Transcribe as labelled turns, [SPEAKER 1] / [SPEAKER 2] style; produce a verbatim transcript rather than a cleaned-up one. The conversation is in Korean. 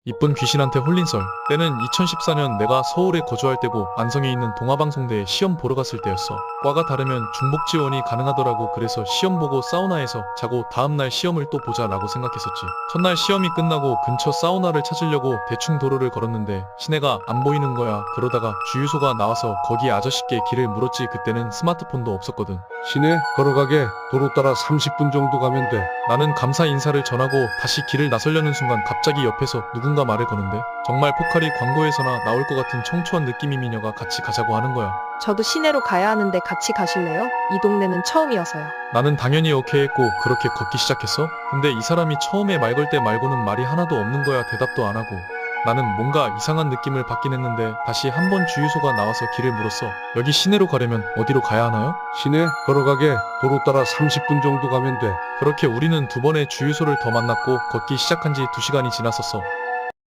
[SPEAKER 1] 이쁜 귀신한테 홀린 썰. 때는 이천십사 년 내가 서울에 거주할 때고 안성에 있는 동아방송대에 시험 보러 갔을 때였어. 과가 다르면 중복 지원이 가능하더라고. 그래서 시험 보고 사우나에서 자고 다음날 시험을 또 보자 라고 생각했었지. 첫날 시험이 끝나고 근처 사우나를 찾으려고 대충 도로를 걸었는데 시내가 안 보이는 거야. 그러다가 주유소가 나와서 거기 아저씨께 길을 물었지. 그때는 스마트폰도 없었거든.
[SPEAKER 2] 시내 걸어가게 도로 따라 삼십 분 정도 가면 돼.
[SPEAKER 1] 나는 감사 인사를 전하고 다시 길을 나서려는 순간 갑자기 옆에서 누군가 말을 거는데 정말 포카리 광고에서나 나올 것 같은 청초한 느낌의 미녀가 같이 가자고 하는 거야.
[SPEAKER 3] 저도 시내로 가야 하는데 같이 가실래요? 이 동네는 처음이어서요.
[SPEAKER 1] 나는 당연히 오케이 했고 그렇게 걷기 시작했어. 근데 이 사람이 처음에 말 걸 때 말고는 말이 하나도 없는 거야. 대답도 안 하고. 나는 뭔가 이상한 느낌을 받긴 했는데 다시 한 번 주유소가 나와서 길을 물었어. 여기 시내로 가려면 어디로 가야 하나요?
[SPEAKER 2] 시내 걸어가게 도로 따라 삼십 분 정도 가면 돼.
[SPEAKER 1] 그렇게 우리는 두 번의 주유소를 더 만났고 걷기 시작한 지 두 시간이 지났었어.